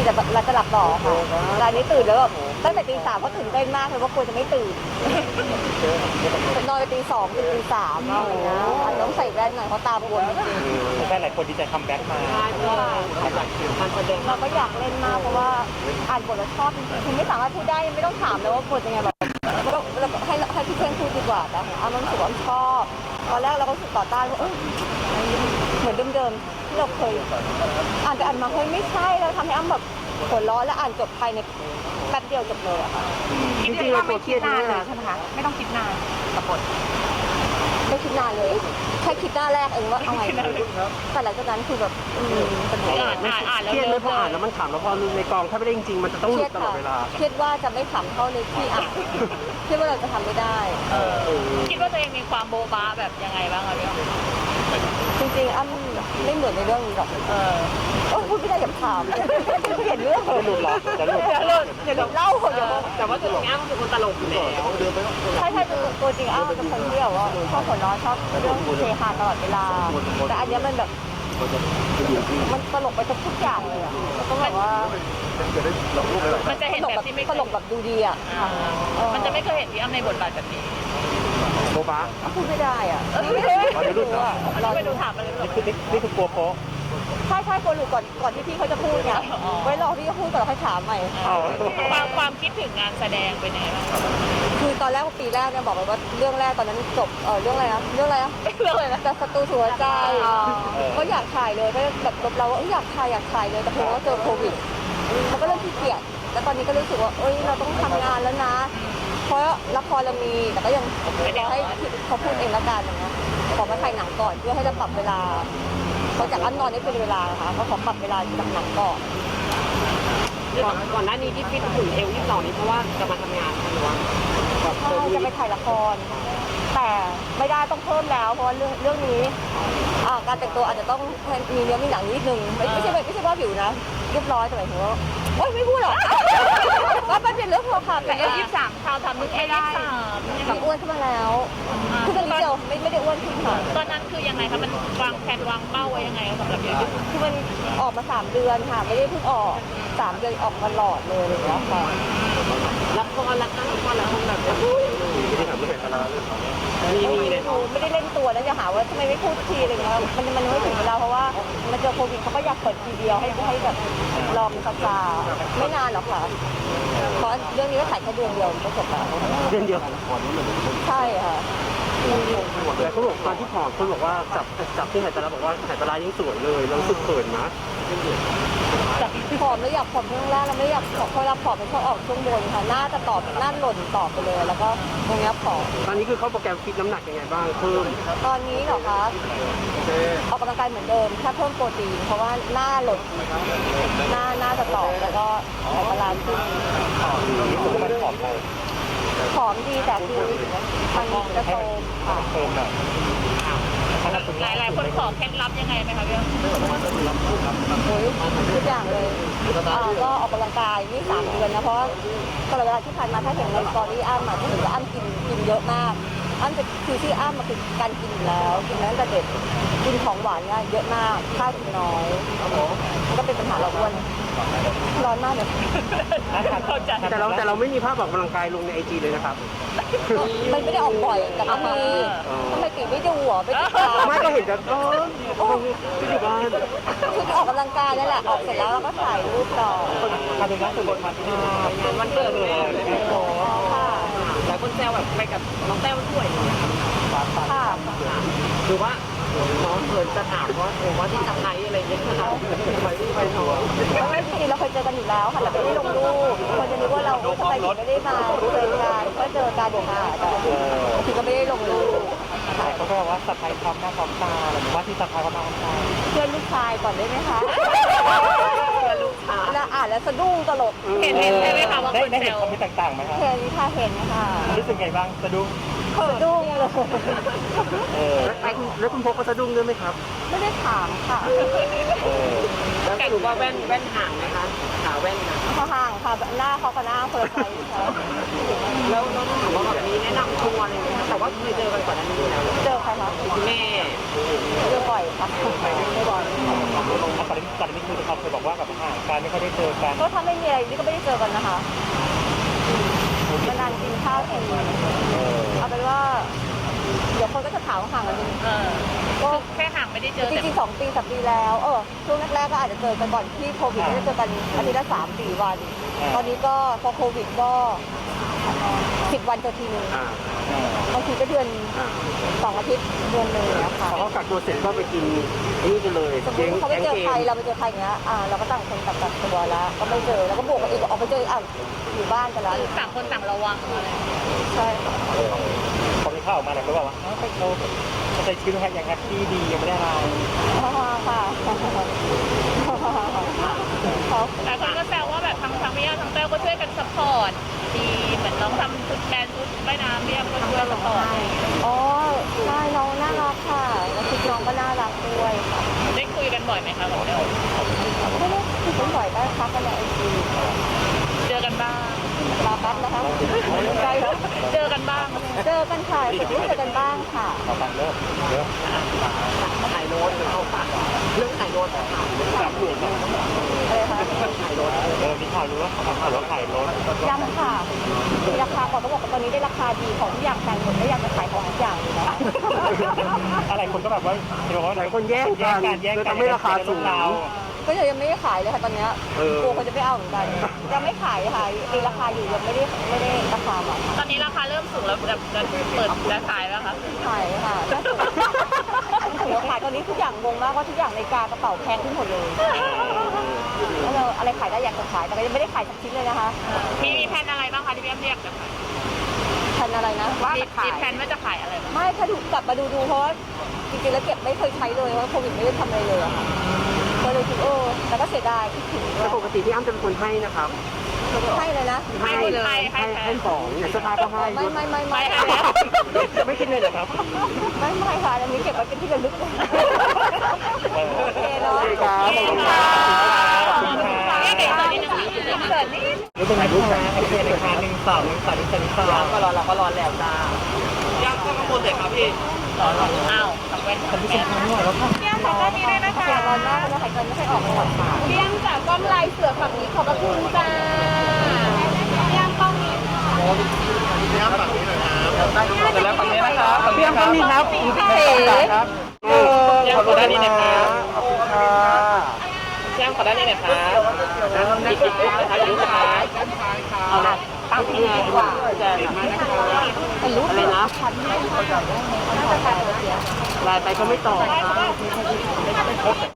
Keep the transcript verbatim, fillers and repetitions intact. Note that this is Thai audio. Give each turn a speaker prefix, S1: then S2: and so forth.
S1: กินแต่เราจะหลับต่อค่ะรายนี้ตื่นแล้วแบบตั้งแต่ตีสามก็ตื่นเต้นมากเลยว่าควรจะไม่ตื่นนอนไปตีสองถึงตีสามอะไรเงี้ยอาจจะต้องใส่แว่นหน่อยเพราะตาบวมจริง
S2: แฟนหลายคนดีใจคัมแบ็กมา
S1: ๆเราก็อยากเล่นมากเพราะว่าอ่านบทแล้วชอบจริงๆคุณไม่สามารถพูดได้ไม่ต้องถามเลยว่าบทยังไงแบบเราเราให้ให้พี่เพื่อนพูดดีกว่าแต่ของอ้ำมันรู้สึกว่าอ้ำชอบตอนแรกเราก็รู้สึกต่อต้านว่าเอ้ยเหมือนเดิมๆที่เราเคยอ่านแต่อ่านมาเฮ้ยไม่ใช่แล้วทำให้อ้ำแบบหัวเราะและอ่านจบภายในแป๊บเดียวจบเลยอะค่ะ
S3: จริงๆเราตัวเครียดนานเลยใช่ไหมคะไม่ต้องคิดนานกับบท
S1: ไม่คิดนานเลยแค่คิดหน้าแรกเองว่าเอาไงดีแต่หลังจากนั้นคือแบบอืมเป็นไง
S3: อ่านอ่านอ่านแล้ว
S2: เครียดไหมพออ่านแล้วมันขำแล้วพอในกองถ้าไม่ได้จริงๆมันจะต้องห
S1: เค
S2: ลุ
S1: รีย
S2: ด
S1: ด
S2: ตลอ
S1: ค่ะ
S2: ดเวลา
S1: เครียดว่าจะไม่ขำเท่าในที่อ่านคิดว่าเราจะทำไม่ได้
S3: คิดว่าตัวเองมีความโบ๊ะบ้าแบบยังไงบ้างคะพี่อ้อ
S1: จริงๆอ้ำไม่เหมือนในเรื่องนี้หรอก
S3: เออ
S1: โอ้พูดไม่ได้อย่าถามเห็นเรื่อง
S2: จะหลุดหรอจะหลุด
S1: อย่าหลุดอย่าหลุดเล่าเดี๋ยว
S3: แต่ว่าตัวจริงอ้ำคือคนตลกอยู่แล้ว
S1: ใช่ใช่ตัวตัวจริงอ้ำเป็นคนที่แบบว่าชอบหัวเราะชอบเรื่องเฮฮาตลอดเวลาแต่อันเนี้ยมันแบบมันตลกไปทุกอย่างเลยอ่ะต้องแบบว่า
S3: มันจะเห็น
S1: ตลก
S3: แบ
S1: แบบ บ
S3: ที่ไม่
S1: ตลกแบบดูดีอ่ะ
S3: อ่ามันจะไม่เคยเห็นพี่อ้ำในบทบาทแบบนี้
S2: โบบะ
S1: พูดไม่ได้อ่ะ
S2: เดี๋ยวหลุดเหรอ
S3: เราไปดูถามมาเลย
S2: นี่คือนี่คือกลัวโป๊ะ
S1: ใช่ใช่คนหลุดก่อนก่อนที่พี่เขาจะพูดไงไว้รอพี่เขาพูดก่อนแล้วค่อยถามใหม่
S3: ความความคิดถึงงานแสดงเป็นยังไงบ้าง
S1: คือตอนแรกปีแรกเนี่ยบอกเลยว่าเรื่องแรกตอนนั้นจบเออเรื่องอะไรนะเรื่องอะไรนะ
S3: เรื่องอะไรนะ
S1: แต่ศัตรูหัวใจก็อยากถ่ายเลยก็แบบลบเราว่าอยากถ่ายอยากถ่ายเลยแต่เพราะว่าเจอโควิดมันก็เริ่มขี้เกียจแล้วตอนนี้ก็รู้สึกว่าเอ้ยเราต้องทำงานแล้วนะ เพราะละครเรามีแต่ก็ยังรอให้เขาพูดเองละกันอย่างเงี้ยขอมาถ่ายหนังก่อนเพื่อให้เราปรับเวลาเขาจากอันนอนได้เป็นเวลานะคะเขาขอปรับเวลาจากหนังก่อน
S3: ก่อนหน้านี้ที่ฟิตหุ่นเอวยี่สิบสองนี้เพราะว่าจะมาทำงานหรือว่า
S1: ใช่จะไปถ่ายละคร แต่ไม่ได้ต้องเพิ่มแล้ว เพราะว่าเรื่องเรื่องนี้อ่าการแต่งตัวอาจจะต้องมีเนื้อมีหนังนิดนึงไม่ไม่ใช่ไม่ใช่ว่าผิวนะเรียบร้อยแต่หมายถึงว่าโอ๊ยไม่พูดหรอกว่ามันเป็นเรื่องพอค่ะ
S3: แต่เอวยี่สิบสามชาวทำนึกไม่ได้
S1: มีอ้วนขึ้นมาแล้วคือตอนนี้เดียวไม่ไม่ได้อ้วนขึ้นค่ะ
S3: ตอนนั้นคือยังไงคะมันวางแผนวางเป้าไว้ยังไงสำหรับเอวยี่สิบ
S1: คือมันออกมาสามเดือนค่ะ ไม่ได้เพิ่งออกสามเดือนออกมาหลอดเลยอะไรอย่างเงี้ยค่ะ
S3: ละครละครละครละครแบบ
S2: ที่ถามเรื่องไหนกัน
S3: มีมีเลย
S1: ไม่ได้เล่นตัวนะจะหาว่าทำไมไม่พูดทีอะไรเงี้ยมันมันไม่ถึงเวลาเพราะว่ามันเจอโควิดเขาก็อยากเปิดทีเดียวให้ให้แบบรอมันซาๆไม่นานหรอกค่ะเพราะเรื่องนี้ก็ถ่ายแค่เดือนเดียวก็จบแล้ว
S2: เรื่องเดียว
S1: ใช่ค่ะ
S2: แต่เขาบอกตอนที่ผอมเขาบอกว่าจับจับที่หายตาลาบอกว่าหายตาลายังสวยเลยแล้วรู้สึกเขินนะ
S1: ผอมแล้วอยากผอมช่วงล่างเราไม่อยากผอมเพราะเราผอมมันชอบออกช่วงบนค่ะหน้าจะตอบหน้าหล่นตอบไปเลยแล้วก็ตรงเนี้ยผอม
S2: ตอนนี้คือเขาโปรแกรมฟิตน้ำหนักยังไงบ้างเพิ่ม
S1: ตอนนี้เหรอคะออกกำลังกายเหมือนเดิมแค่เพิ่มโปรตีนเพราะว่าหน้าหล่นหน้าหน้าจะตอบแล้วก็ออกกำลังขึ้น
S2: รู้สึกว่ามันผอมไป
S1: ผอมดีแต่คือมันจะโตค่ะ
S2: เพิ่มแบบ
S3: หลายหลายคนขอเคล็ดลับยังไงไหมคะพี่
S1: โอ้ยทุกอย่างเลยอ่าก็ออกกำลังกายนี่สามเดือนนะเพราะว่าตลอดเวลาที่ผ่านมาถ้าเห็นในสตอรี่อ้ำอ่ะก็ถือว่าอ้ำกินกินเยอะมากอ้ำจะคือที่อ้ำมาคือการกินอยู่แล้วกินมาตั้งแต่เด็กกินของหวานเนี่ยเยอะมากข้าวกินน้อยมันก็เป็นปัญหาเราอ้วนร้อนมากเลย
S3: เข้าใจ
S2: แต่เราแต่เราไม่มีภาพออกกำลังกายลงในไอจีเลยนะครับ
S1: มันไม่ได้ออกบ่อยแต่ก็มีทำไมตีไม่ดูหัวไม่ติดตาม
S2: ไม่ก็เห็นแต่ก็ที่อยู่บ้าน
S1: คือออกกำลังกายนั่นแหละออกเสร็จแล้วเราก็ถ่ายรูปต่อ
S2: การเป็นนักสุบทมาที่นี่งานวันเกิดเลย
S1: ค่ะ
S3: หลายคนแซวแบบไปกับน้องแต้วด้วย
S1: ค่ะ
S3: คือว่าน้องเขินจะถามว่าโอ้ว่าที่สะพ้ายอะไรเงี้ยเขาไปไปทัวร์
S1: ไม่จริงๆเราเคยเจอกันอยู่แล้วค่ะแต่ไม่ได้ลงรูปคนจะนึกว่าเราทำไมถึงไม่ได้มาเจอกันก็เจอกันอยู่ค่ะแต่บางทีก็ไม่ได้ลงรูป
S2: เขาก็บอกว่าสะพายพร้อมหน้าพร้อมตาหรือว่าที่สะพายพร้อมหน้าพร้อมตา
S1: เพื่อนลูกชายก่อนได้ไหมคะ
S3: ลูกค้า
S1: แล้วอ่านแล้วสะดุ้งตลก
S3: เห็นเห็นใช่ไหมคะว่า
S2: ได้
S3: คน
S2: ได้
S3: แซ
S2: เห็น
S3: ว
S2: คอมเมนต์ต่างๆไหมครับ
S1: เห็นค่ะเห็นค่ะ
S2: รู้สึกไงบ้างสะดุ้ง
S1: สะดุ้งเลย
S2: เออแล้วคุณพกก็สะดุ้งด้วยไหมครับ
S1: ไม่ได้ถามค่ะ
S2: เออ
S3: แล้วสรุปว่าแว่นแว่นห่างไหมคะขาแว่นนะ
S1: เขาห่างค่ะหน้าเขากับหน้าคนละไซส์ค่ะ
S3: แล้วแล้วถามว่าแบบมีแนะนำทัวร์อะไรไหมคะแต่ว่าเคยเจอกันก่อนหน้านี้อยู่แล้ว
S1: เจอใครคะ
S3: คุณแม่
S1: เจอบ่อยค่ะไม่บ่อย
S2: ตอนนี้ตอนนี้คือเขาเคยบอกว่าแบบห่างกันไม่ค่อยได้เจอกัน
S1: ก็ถ้าไม่มีอะไรนี่ก็ไม่ได้เจอกันนะคะนานๆกินข้าวทีเอาเป็นว่าเดี๋ยวคนก็จะถามว่าห่างกันจริง
S4: เออ
S1: ก็
S4: แค่ห่างไม่ได้เจอ
S1: จ
S4: แต่
S1: ริงๆสองปีสามปีแล้วเออช่วงแรกๆก็อาจจะเจอกันก่อนที่โควิดไม่ได้เจอกันอาทิตย์ละสามสี่วัน ตอนนี้ก็พอโควิดก็สิบวันเจอทีนึง
S2: อ่า
S1: บางทีก็เดือน
S2: อ่า
S1: สองอาทิตย์เดือนหนึ่งนะคะ
S2: พอเขากักตัวเสร็จก็ไปกินนี่กันเลย
S1: สมมติเขาไปเจอใครเราไปเจอใครอย่างเงี้ยอ่าเราก็ต่างคนต่างกักตัวแล้วก็ไม่เจอแล้วก็บวกกันอีกออกไปเจออ่ะอยู่บ้านกันแล้ว
S4: ต่างคนต่างระวังอะไร
S1: ใช่ค่ะ
S2: พอมีข่าวออกมาเนี่ยก็แบบว่าเขาเขาใช้ชีวิตอย่างแฮปปี้ดียังไม่ได้อะไร
S1: อ๋อค่ะเขา
S4: หลายคนก็แซวว่าแบบทั้งทั้งพี่ย่าทั้งเต้วก็ช่วยกันซัพพอร์ตดีเหมือนน้องทำชุดแบรนด์ชุดว่ายน้ำพี่ย่าก็ช่วยซัพพอร์ต
S1: อ๋อใช่น้องน่ารักค่ะแล้วคิดน้องก็น่ารักด้วยค่ะ
S4: ได้คุยกันบ่อยไหมคะกับเต้ว
S1: ไม่ได้คุยกันบ่อยก็ทักกันในไอจี
S4: เจอกันบ้าง
S1: รอแป๊บนะคะใกล้แล้ว
S4: เจอกันบ้าง
S1: เจอกันค่ะสุดที่เจอกันบ้างค่ะ
S2: เอาฟังเริ่มเริ่ม
S3: ถ่ายโน้ตเขาฝากเรื่องถ่ายโน้ตค่ะ
S2: จับหลวง
S1: อะไรคะ
S3: ถ่ายโน้ต
S2: เออมีข่าวรู้ว่าเขาข่าวว่าขายรถ
S1: ยังค่ะมีราคาก่อนก็บอกว่าตอนนี้ได้ราคาดีของทุกอย่างแพงหมดไม่อยากจะขายของทุกอย่างเลยนะ
S2: อะไรคนก็แบบว่าเห็นบอกว่า
S5: หลายคนแย่งกัน
S2: แย่ง
S5: เลย
S2: กัน
S5: ทำให้ราคาสูง
S2: เรา
S1: ก็ยังไม่ได้ขายเลยค่ะตอนเนี้ย
S5: เออ
S1: กลัวคนจะไม่เอาเหมือนกันยังไม่ขายค่ะมีราคาอยู่ยังไม่ได้ไม่ได้ราคาแบบ
S4: ตอนนี้ราคาเริ่มสูงแล้วจะจะเปิดจะขายแล้วคะ
S1: ขายค่ะถือว่าขายตอนนี้ทุกอย่างงงมากว่าทุกอย่างในกากระเป๋าแพงขึ้นหมดเลยแล้วเราอะไรขายได้อยากจะขายแต่ก็ยังไม่ได้ขายสักชิ้นเลยนะคะ
S4: มีมีแผนอะไรบ้างคะที่พี่ย่าเรียกจะขาย
S1: พันอะไรนะ
S4: ว่ามีแผนว่าจะขายอะไรบ้าง
S1: ไม่ถ้าดูกลับมาดูดูเพราะว่าจริงๆแล้วเก็บไม่เคยใช้เลยเพราะโควิดไม่ได้ทำอะไรเลยอะค่ะก็เลยคิดเออแต่ก็เสียดายคิดถึง
S5: แต่ปกติพี่อ้ำจะเป็นคนให้นะครับ
S1: ให้เลยนะ
S4: ให้หมดเลยให้
S5: ให้
S4: แผ
S5: ให้
S4: น
S5: ของอย่างเสื้อผ้าก็ให้
S1: ไม่ไม่ไม่ไม่
S4: ไม่ให้แล้ว
S2: ไม่คิดเลยเหรอครับ
S1: ไม่ไม่ค่ะอันนี้เก็บไว้เป็นที่ระลึกโอเคเนาะ
S5: โอเคครับขอบคุณครับ
S4: ขอบคุณค่ะเดี๋ยวเกิดนิดนึงเกิดนิด
S2: รู้ตรงไหนลูกค้าโอเคเลยค่ะหนึ่งสองหนึ่งสองหนึ่งสองหนึ่งสอง
S3: ก็รอเราก็รอแล้วจ้าย่างก็ข้างบนเลยครับพี่
S4: อ้าวทำเป็นทำเป็น
S1: เที่ยงจากด้านนี้ได้นะคะร้อนมากแล้วหายใจไม่ค่อยออกก่อนค่ะเที่ยงจากกล้องลายเสือฝั่งนี้ขอบพระคุณจ้าเที่ยงกล้องนี้
S5: เดี๋ยวฝั่งนี้นะครับ
S2: เพียงก็มีครับ
S1: เอ๋
S5: ครับเออขอบคุณด้านนี้นะครับขอบคุณค่ะ
S3: แจ้งขอด้านนี้หน่อยครับอีกอีกอีกนะครับอีกนะครับเอาละตั้งที่ไหนดีกว่าแจ้ง
S1: เป็นรูป
S5: อะไรนะ
S1: พันไม่ได้น่าจะใช่เสีย
S5: ไลน์ไปก็ไม่ตอบครับ